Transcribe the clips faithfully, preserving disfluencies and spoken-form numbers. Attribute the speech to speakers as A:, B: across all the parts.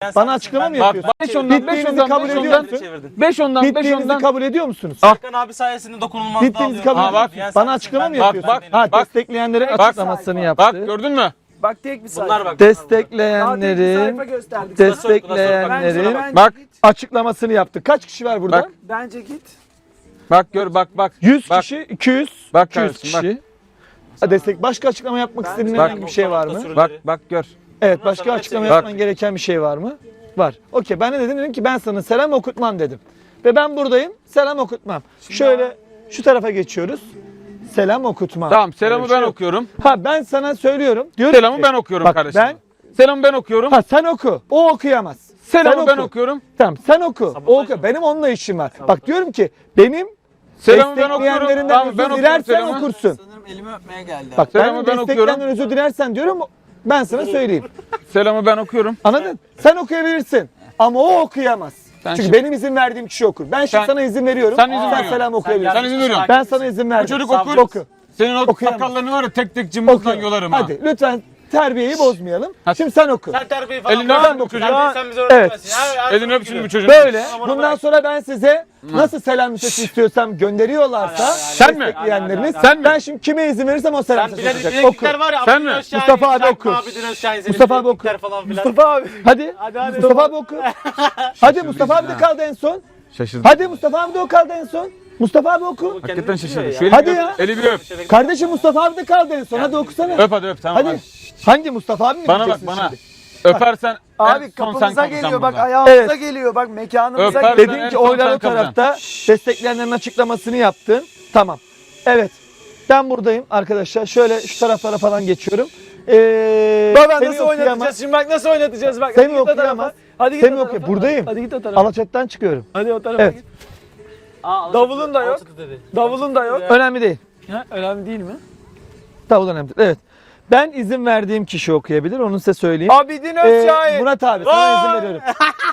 A: Bana açıklama mı yapıyorsun?
B: beş ondan, beş ondan,
A: kabul
B: beş
A: ediyor
B: ondan,
A: musun?
B: beş ondan, beş
A: Bittiğinizi
B: ondan.
A: kabul ediyor musunuz?
C: Serkan abi sayesinde dokunulmazlığı
A: Bittiğinizi kabul
C: alıyorum.
A: ediyor
B: Ha,
A: musunuz?
C: Diğer
A: Bana
C: sayesinde
A: açıklama mı
C: ben-
A: yapıyorsun?
B: bak,
A: Ha,
B: bak.
A: destekleyenlerin
D: Bak.
A: açıklamasını yaptı.
B: Bak gördün mü?
D: Bak tek bir sayfa.
C: Bunlar bak.
A: Destekleyenlerin
D: sayfa gösterdik.
A: destekleyenlerin
D: Bence
B: Bak,
A: açıklamasını yaptı. Kaç kişi var burada?
B: Bak.
D: Bence git.
B: bak gör, bak, bak.
A: yüz
B: Bak.
A: kişi, iki yüz,
B: Bak
A: iki yüz
B: kardeşim, bak.
A: kişi. Ha, destek. Başka açıklama yapmak
D: Bence-
A: istediğin
B: Bak.
A: herhangi bir şey var mı?
B: Bak, bak gör.
A: Evet,
C: Ondan
A: başka
C: sonra
A: açıklama
C: hepsi-
A: yapman gereken bir şey var mı? Var. Okey, ben ne dedim? Dedim ki ben sana selam okutmam dedim. Ve ben buradayım, selam okutmam. Şöyle şu tarafa geçiyoruz. Selam okutmam.
B: Tamam, selamı
A: Böyle bir şey
B: ben
A: yok.
B: okuyorum.
A: Ha, ben sana söylüyorum. Diyorum
B: Selamı
A: ki,
B: ben okuyorum
A: bak,
B: kardeşim.
A: Ben,
B: Selamı ben okuyorum.
A: ha sen oku. O okuyamaz.
B: Selamı
A: sen
B: ben
A: oku.
B: okuyorum.
A: Tamam, sen oku. O
C: Sabotaj
A: oku.
C: mı?
A: Benim onunla işim var. Bak diyorum ki benim
B: Selamı ben okuyorum.
A: destekleyenlerinden
B: Tamam,
A: özür
B: ben okuyorum
A: dilersen
B: selamı.
A: okursun.
D: Sanırım elimi öpmeye geldi.
A: Bak
B: Selamı
A: ben
B: ben okuyorum.
A: destekleyenlerden özür dilersen diyorum ben sana söyleyeyim.
B: Selamı ben okuyorum.
A: Anladın? Sen okuyabilirsin ama o okuyamaz.
B: Sen
A: Çünkü
B: şimdi-
A: benim izin verdiğim kişi okur. Ben şimdi
B: Sen-
A: sana izin veriyorum.
B: sen izin veriyorsun.
A: selam okuyabilirsin.
B: Sen izin veriyorsun.
A: Ben sana izin verdim.
B: Bu çocuk
A: Sen
B: okur.
A: oku.
B: Senin o
A: Okuyamaz.
B: sakallarını var ya tek tek cımbızdan
A: Oku.
B: yolarım ha.
A: Hadi lütfen terbiyeyi bozmayalım.
B: Hadi.
A: Şimdi sen oku.
C: Sen terbiyeyi falan
B: Elini
C: bırak.
B: öp bu çocuğu.
C: Sen, sen bize
A: Evet.
C: öğretmezsin. Her- her
B: Elini
C: zaman
B: öp şimdi
C: gibi.
B: bu çocuğun.
A: Böyle.
C: Tamam, onu
A: Bundan
C: bırak.
A: sonra ben size nasıl selam listesi istiyorsam gönderiyorlarsa
B: Sen mi?
A: destekleyenleriniz.
B: Sen mi?
A: Ben şimdi kime izin verirsem o selam
C: Sen
A: listesi
C: bize
A: olacak. Oku.
C: bileklikler var ya.
B: Sen
C: Abidin
B: mi?
C: Özşahin,
A: Mustafa abi
C: Şarkı
A: oku.
C: Abidin Özşahin, senin
A: Mustafa abi oku.
C: bileklikler falan filan.
A: Mustafa abi. Hadi.
C: Hadi hadi.
A: Mustafa abi oku. Hadi Mustafa abi de kaldı en son.
B: Şaşırdım.
A: Hadi Mustafa abi de o kaldı en son. Mustafa abi oku.
B: Hakikaten şaşırdım. Şu
C: Hadi
B: eli
A: Hadi
B: bir
A: ya.
B: öp. Eli bir öp.
A: Kardeşim Mustafa abi de kaldı en son. Hadi okusana.
B: Öp hadi öp tamam
A: Hadi.
B: hadi.
A: Hangi Mustafa abi mi
B: Bana bak
A: diyeceksin
B: bana.
A: şimdi?
B: Öpersen en
D: Abi
B: son sen
D: kapımıza
B: kalkacaksın
D: geliyor bak
B: buradan.
D: ayağımıza
A: Evet.
D: geliyor bak mekanımıza
B: Öper.
D: geliyor.
B: En
A: Dedin ki
B: son
A: oylar
B: sen
A: o tarafta.
B: kalacaksın.
A: Destekleyenlerin açıklamasını yaptın. Tamam. Evet. Ben buradayım arkadaşlar. Şöyle şu taraflara falan geçiyorum. Ee,
D: Baba
A: Semih
D: nasıl
A: okuyamaz.
D: oynatacağız şimdi bak nasıl oynatacağız bak.
A: Semih
D: Hadi git o tarafa.
A: okuyamaz.
D: Hadi git
A: Semih
D: o tarafa.
A: okuyor. Buradayım.
D: Hadi git o tarafa.
A: Alaçatı'dan çıkıyorum.
D: Hadi o tarafa
A: Evet.
D: git.
C: Aa,
D: Davulun da yok.
C: Alçıtı dedi.
D: Davulun da yok.
A: Önemli değil.
D: Ha, önemli değil mi?
A: Davul önemli değil. Evet. Ben izin verdiğim kişi okuyabilir. Onu size söyleyeyim.
D: Abidin
A: Ee,
D: Özşahin.
A: Murat abi sana izin veriyorum.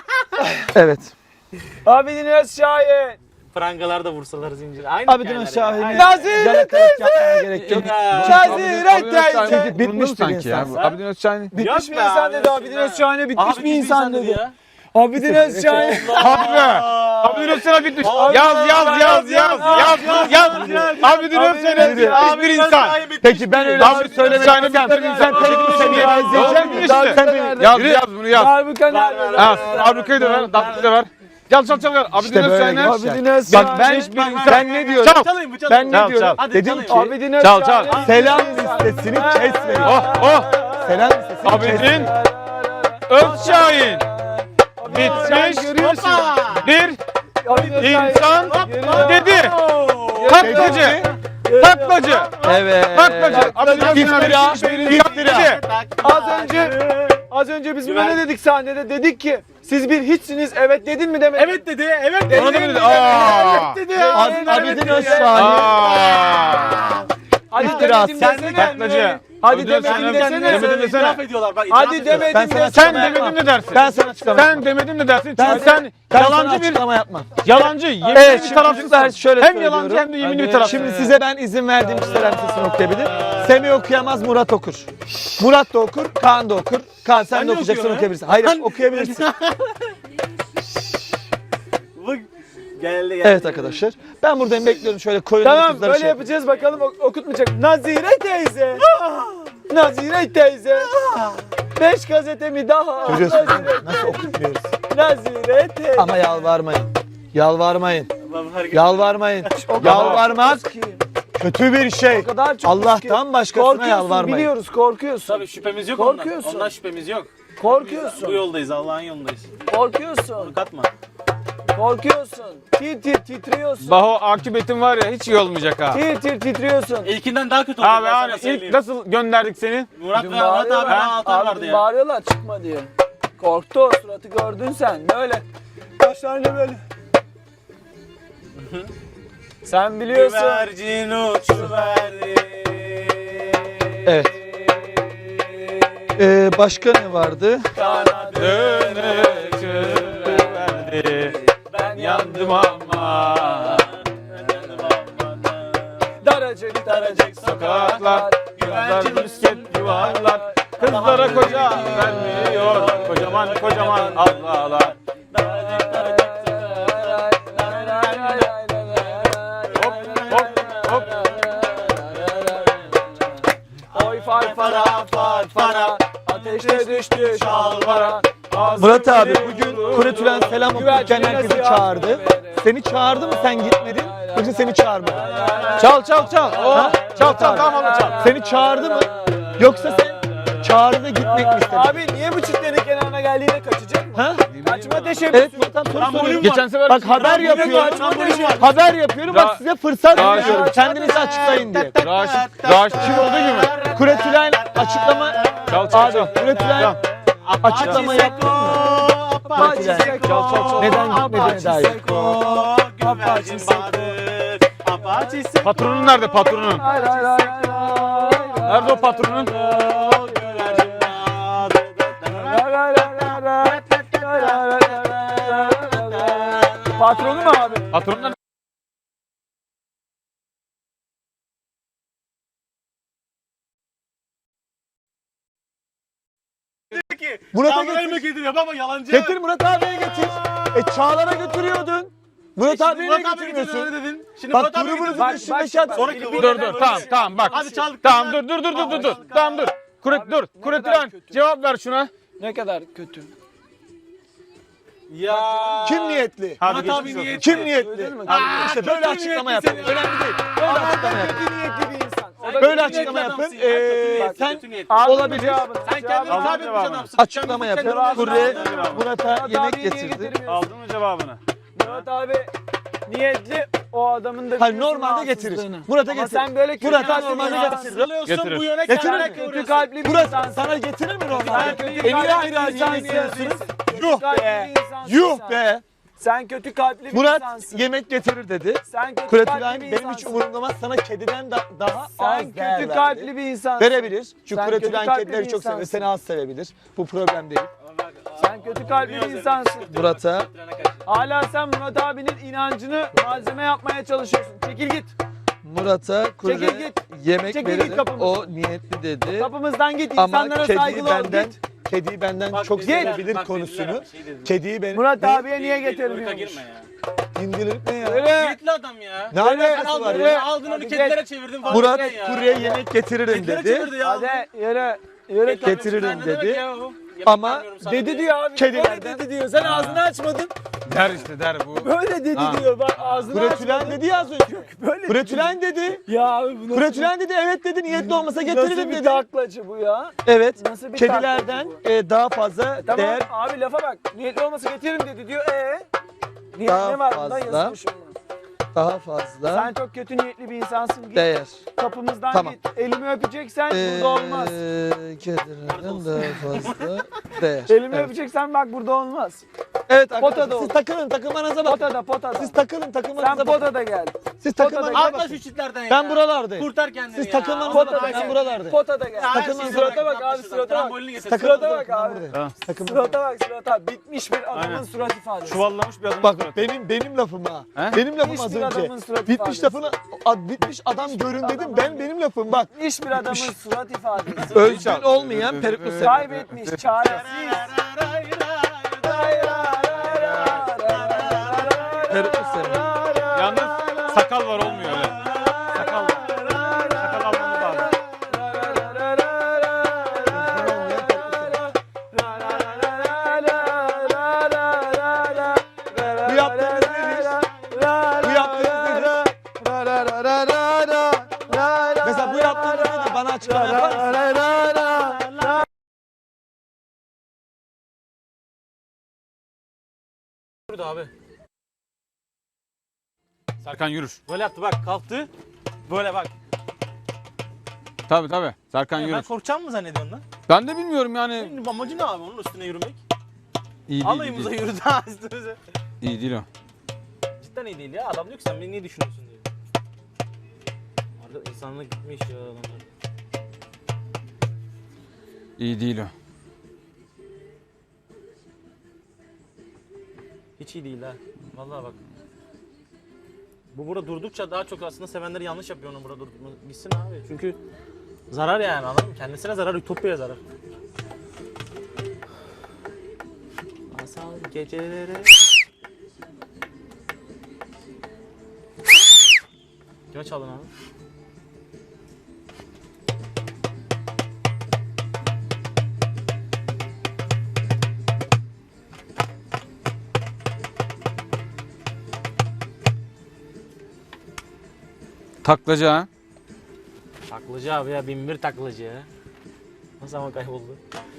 A: Evet.
D: Abidin Özşahin.
C: Prangalarda vursalar zincir. Aynı
A: Abidin
C: hikayeler
A: Şahin'i
C: ya.
D: Nazire
A: yalakalık yapmaya gerek yok.
D: Nazire
B: Abidin Özşahin
D: teyze.
B: bitmiş
A: Bitmiş bir
B: sanki ya.
A: insan.
B: Bu Abidin Özşahin.
D: Bitmiş
C: Yok
D: bir
C: be
D: insan
C: abi,
D: dedi Abidin
C: ya.
D: Özşahin'e bitmiş
C: Abi
D: bir insan dedi.
C: ya.
D: Abidin Özşahin.
B: Hadi be. Abidin Özşahin bitmiş. Yaz yaz yaz yaz yaz yaz. Abidin Özşahin bitmiş bir insan.
A: Peki ben öyle
B: Abi
A: bir söylemek
B: Şahin'i
A: istemem.
B: bitirdin
A: Sen
B: sen.
A: teknik seviye izleyecek misin?
B: Daha
A: Sen beni-
B: Yaz yaz bunu yaz.
D: Darbuka nerede?
B: Yaz. Abrukayı da ver. Dakikayı da ver. Gel çal çal ver. Abidin
A: İşte böyle
B: Özşahin'e.
A: gençler.
D: Abidin Özşahin.
A: Bak ben,
B: Hiçbir insan-
A: ben ne diyorum?
B: Çal.
C: Çalayım mı?
A: Ben
C: Çalayım.
A: ne
B: Çal,
A: diyorum?
B: çal.
C: Hadi
A: Dedim
C: çalayım.
A: ki
D: Abidin
B: Çal,
D: Özşahin.
B: çal.
A: selam listesini kesmeyin.
B: Oh oh.
A: Selam listesini kesmeyin.
B: Abidin Özşahin. Bitmiş bir insan dedi. Taklacı. Taklacı.
A: Evet.
B: Taklacı. Abidin Özşahin
A: İftira,
B: bitmiş bir insan dedi.
D: Az önce az önce biz buna ne dedik sahnede? Dedik ki siz bir hiçsiniz. Evet dedin mi demek?
C: Evet dedi. Evet dedi.
B: Ona da mı dedi? Aa.
D: dedi ya.
A: Ab- Abidin Özşahin.
B: Aa.
D: Hadi
A: İftira.
D: demedim
A: Sen
D: desene.
B: Taklacı.
D: Hadi
B: Abidin Özşahin'e
D: demedim
B: demedim
D: desene.
B: desene.
C: İtiraf ediyorlar. Bak,
D: Hadi
C: itiraf ediyorlar.
D: demedim
A: Ben sana
D: desene.
B: Sen demedim de dersin.
A: Ben sana açıklama
B: Sen
A: yapmam.
B: demedim de dersin.
A: Ben,
B: Çünkü sen
A: ben sana
B: yalancı bir
A: açıklama yapmam.
B: yalancı, yeminli
A: Evet,
B: bir
A: şimdi
B: tarafsın.
A: çocuklar şöyle
B: Hem
A: söylüyorum.
B: yalancı hem de yeminli bir
A: Hadi.
B: tarafsın.
A: Şimdi size ben izin verdiğim kişiler listesini okuyabilir. Semih okuyamaz, Murat okur. Murat da okur, Kaan da okur. Kaan sen
C: Ben
A: de
C: de
A: okuyacaksın,
C: okuyorum,
A: okuyabilirsin. Hayır, okuyabilirsin.
C: Bu geldi geldi.
A: Evet arkadaşlar. Ben buradayım, bekliyorum şöyle koyun.
D: Tamam böyle yapacağız bakalım ok- okutmayacak. Nazire teyze. Nazire teyze. Beş gazetemi daha.
A: Görüyorsun
D: Nazire,
A: nasıl okutmuyoruz.
D: Nazire teyze.
A: Ama yalvarmayın. Yalvarmayın.
C: Allah'ım hareket-
A: Yalvarmayın.
D: O kadar
A: Yalvarmak
D: çok ki.
A: kötü bir şey.
D: O kadar çok
A: Allah'tan
D: ki.
A: başkasına
D: Korkuyorsun,
A: yalvarmayın.
D: biliyoruz korkuyorsun.
C: Tabii şüphemiz yok ondan.
D: Korkuyorsun.
C: Ondan şüphemiz yok. Bu
D: Korkuyorsun.
C: yoldayız. Allah'ın yolundayız.
D: Korkuyorsun.
C: Katma.
D: Korkuyorsun. Tir tir titriyorsun.
B: Baho akıbetin var ya hiç iyi olmayacak ha.
D: Tir tir titriyorsun.
C: İlkinden daha kötü oldu.
B: Abi
C: ben sana
B: hani ilk
C: söyleyeyim.
B: nasıl gönderdik seni?
C: Murat ve
D: Dün
C: Murat abi
D: bağırıyorlar.
C: bana altar
D: Abi
C: vardı
D: dün
C: ya.
D: bağırıyorlar çıkma diye. Korktu o suratı gördün sen. Böyle. Başlarına böyle. Sen biliyorsun.
C: Güvercin uçuverdi.
A: Evet. Ee, başka ne vardı?
B: Dönü verdi.
D: Ben
B: Yandım ama.
D: Daracık daracık
B: Sokaklar, güvercin misket yuvarlar. Kızlar Kızlara koca vermiyor. Kocaman kocaman ablalar. Hop hop hop.
D: Oy far fara far fara. Ateşte düştü şalvara.
A: Murat abi bugün Kuretülen selam okurken herkesi çağırdı. Seni çağırdı mı sen gitmedin? Yoksa seni çağırmadı?
B: Çal çal çal.
A: Ha?
B: Çal çal tamam abla çal.
A: Seni çağırdı mı? Yoksa sen çağırdı da gitmek mi istedin?
D: Abi niye bu çitlerin kenarına geldiğinde kaçacak mı?
A: Ha?
D: Kaçma teşebbüsü.
A: Evet Murat abi soru soruyorum.
B: Geçen sefer
A: Bak haber yapıyorum. Haber yapıyorum bak size fırsat
B: Daha-
A: veriyorum. Kendinizi açıklayın diye.
B: Raşit, Raşit'in olduğu gibi.
A: Kuretülen açıklama...
B: Çal çal
A: Abi
B: çal.
A: Kuretülen açıklama yaptın mı? Kuretülen
B: Çal çal çal.
A: neden gitmediğine dair.
C: Güvercin badır. Apache Seko.
B: Patronun nerede patronun?
D: Hayır hayır hayır hayır.
B: Nerede o patronun?
C: Güvercin badır.
D: Patronu mu abi?
B: Patronun nerede?
A: Murat'a
C: Tanrı'ya
A: getir.
C: mı getiriyor baba yalancı?
A: Getir Murat abiye getir. E Çağlar'a götürüyordun. Murat
C: Şimdi
A: abiye
C: Murat
A: niye
C: abi getir
A: götürmüyorsun?
C: öyle dedin. Şimdi
A: Bak
C: Murat abi
A: grubunuzun
C: getir.
D: Bak,
A: dışındaki
D: bak,
A: adam.
C: Sonra
B: Dur dur tamam tamam bak.
C: Hadi çaldık.
B: Tamam dur dur dur dur dur dur. Tamam dur. Kuret dur. Kuretülen cevap ver şuna.
D: Ne kadar kötü.
C: Ya.
A: Kim niyetli?
B: Hadi
C: Murat abi
B: geçmiş olsun.
C: niyetli.
A: Kim niyetli?
D: Duydun mu?
A: Aa, İşte böyle
C: kötü
A: açıklama
C: niyetli
A: yapın.
C: seni.
A: Önemli değil. Böyle açıklama yapın.
D: Kötü niyetli bir insan. O da
A: Böyle
D: kötü
A: açıklama
D: niyetli
A: yapın.
C: adamsın ya,
A: Ee,
C: kötü
A: sen
C: niyetli, niyetli.
D: Aldın mı
A: olabilir.
D: cevabını?
C: Sen kendini
B: Aldın
C: sabit bir
B: cevabını.
C: adamsın.
A: Açıklama
C: Sen
A: yapın.
C: kendini aldın.
A: Kurye
B: cevabını.
A: Murat'a
D: Murat
A: yemek
D: abiyi niye
A: getirdi.
D: getirmiyorsun?
B: Aldın mı cevabını?
D: Murat abi niyetli o adamın da
A: Hayır
D: biliyorsun
A: normalde getirir.
D: rahatsızlığını.
A: Murat'a
D: Ama
A: getirir.
D: sen böyle kötü
A: Murat'a
D: kalpli bir
A: normalde
D: insansın.
A: getirir.
C: Sırlıyorsun
B: Getirir.
C: bu yöne
A: Getirir
C: kendine
A: mi?
D: Kötü
C: kıvırıyorsun.
D: kalpli bir
A: Murat
D: insansın.
A: sana getirir mi
D: Sen
A: normalde?
D: kötü
A: E niye
D: kalpli
A: ayrı ayrı
D: bir
A: yemek
D: insansın.
A: yiyorsunuz?
D: Kötü
A: Yuh
D: kalpli
A: be.
D: bir insansın
A: Yuh
D: sen.
A: be.
D: Sen kötü kalpli bir
A: Murat
D: insansın.
A: yemek getirir dedi.
D: Sen kötü
A: Kuretülen
D: kalpli bir
A: benim hiç
D: insansın.
A: umurumda olmaz. Sana kediden da- daha
D: Sen
A: az değer
D: kötü
A: verdi.
D: kalpli bir insansın.
A: Verebilir. Çünkü
D: Sen
A: Kuretülen
D: kötü kalpli
A: kedileri
D: bir
A: çok sever.
D: insansın.
A: Seni az sevebilir. Bu problem değil.
D: Sen kötü kalpli bir insansın.
A: Murat'a
D: Hala sen Murat abinin inancını malzeme yapmaya çalışıyorsun. Çekil git.
A: Murat'a
D: Çekil
A: kure
D: git.
A: yemek
D: Çekil git
A: veririm.
D: kapımızdan.
A: O niyetli dedi.
D: Kapımızdan git.
A: Ama
D: İnsanlara
A: kediyi
D: saygılı ol.
A: benden
D: Git.
A: kediyi benden
C: Bak
A: çok
C: dediler,
A: sevebilir
C: bak
A: konusunu.
C: dediler, şey dediler.
A: Kediyi benim
D: Murat
A: ne?
D: abiye niye
C: Irka
D: getirmiyormuş?
C: girme ya.
A: İndirir ne ya?
D: Öyle.
C: Niyetli adam ya.
A: Ne
C: Böyle
A: alakası
C: sen aldın,
A: var
C: böyle
A: ya?
C: Aldın onu
D: Hadi
C: kedilere
D: geç.
C: çevirdin falan.
A: Murat
C: ya.
A: kurye yemek getiririm
C: Kedilere
A: dedi.
C: çevirdi ya.
D: Hadi yürü. Yürü.
C: Kedilere
A: getiririm
C: çevirdi. Ne demek
A: dedi.
C: ya bu? Yemek
A: Ama
C: vermiyorum sana
D: Dedi
C: diye.
D: diyor abi.
A: Kedilerden-
D: Böyle dedi diyor. Sen ağzını açmadın.
B: Der işte der bu.
D: Böyle dedi
B: Ha.
D: diyor. Bak ağzını
A: Kuretülen
D: açmadın.
A: dedi ya az önce.
D: Böyle
A: Kuretülen dedi.
D: Ya abi bu nasıl,
A: Kuretülen dedi evet dedi niyetli olmasa
D: nasıl
A: getiririm
D: bir
A: dedi.
D: taklacı bu ya?
A: Evet.
D: Nasıl bir
A: Kedilerden
D: taklacı
A: e, daha fazla
D: bu? Tamam
A: değer
D: abi lafa bak. Niyetli olmasa getiririm dedi diyor. Ee? Niyet
A: Daha
D: ne var bunda?
A: fazla.
D: Yazmışım bunu.
A: daha fazla
D: Sen çok kötü niyetli bir insansın. Git
A: değer.
D: kapımızdan
A: Tamam.
D: git. Elimi öpeceksen
A: Ee,
D: burada olmaz.
A: Kedilerden daha fazla değer.
D: Elimi
A: Evet,
D: öpeceksen bak burada olmaz.
A: evet arkadaşlar
D: Potada
A: siz
D: ol.
A: takılın takılmanıza bakın.
D: Potada potada.
A: Siz takılın
D: Sen
A: takılmanıza bakın.
D: potada gel.
A: Siz
D: potada
A: takılmanıza
C: Atla
A: bakın.
C: şu çitlerden ya.
A: Ben buralardayım.
C: Kurtar kendini
A: Siz
C: ya.
A: takılmanıza
C: Ondan
A: bakın.
C: daha
A: Ben
C: iyi.
A: buralardayım.
D: Potada gel.
C: Ya,
A: Takılmanıza
C: her şeyi
A: bakın.
D: Surata bak
C: bırak,
D: abi, surata bak.
C: Trambolini getir.
D: Surata bak abi.
B: Ha.
A: Takılmanıza
D: Surata bak surata. Bitmiş bir adamın
B: Aynen.
D: surat ifadesi.
B: Çuvallamış bir adam.
A: Bak benim benim lafım ha.
B: He?
A: Benim lafım
D: Bitmiş
A: az
D: bir
A: önce.
D: adamın surat
A: Bitmiş
D: ifadesi.
A: lafını ad- bitmiş adam görün dedim. Ben benim lafım bak.
D: Bitmiş bir adamın surat ifadesi.
A: Özgün olmayan peruklu sefer.
D: Kaybetmiş, çaresiz.
A: Peruklu sefer.
B: Yalnız sakal var olmuyor öyle. Sakal var. Sakal almamız lazım.
A: Bu yaptığınız nedir? Bu yaptığınız nedir? Mesela bu yaptığınız nedir? Bana açıklama yapar mısın?
C: Yürüdü abi.
B: Serkan yürür.
C: Böyle yaptı bak kalktı. Böyle bak.
B: Tabii tabii. Serkan
C: Ben
B: yürür.
C: korkacağım mı zannediyorsun lan?
B: Ben de bilmiyorum yani.
C: Senin amacı ne abi onun üstüne yürümek?
B: İyi değil.
C: Alayımıza
B: değil.
C: yürüdü ha üstümüze.
B: İyi değil o.
C: Cidden iyi değil ya. Adam diyor ki sen beni niye düşünüyorsun diyor. Arada insanlık gitmiş ya adamlar.
B: İyi değil o.
C: Hiç iyi değil ha. Vallahi bak. Bu burada durdukça daha çok aslında sevenleri yanlış yapıyor onu burada durdurma. Gitsin abi. Çünkü zarar yani anladın mı? Kendisine zarar, Ütopya'ya zarar. gecelere. Kime çaldın abi?
B: Taklacı ha.
C: Taklacı abi ya, bin bir taklacı ya. Nasıl ama kayboldu?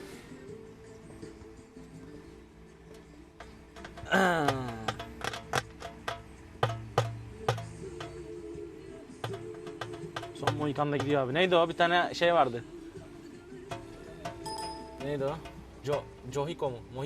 C: Son Mohikan'da gidiyor abi. Neydi o? Bir tane şey vardı. Neydi o? Jo Johiko mu?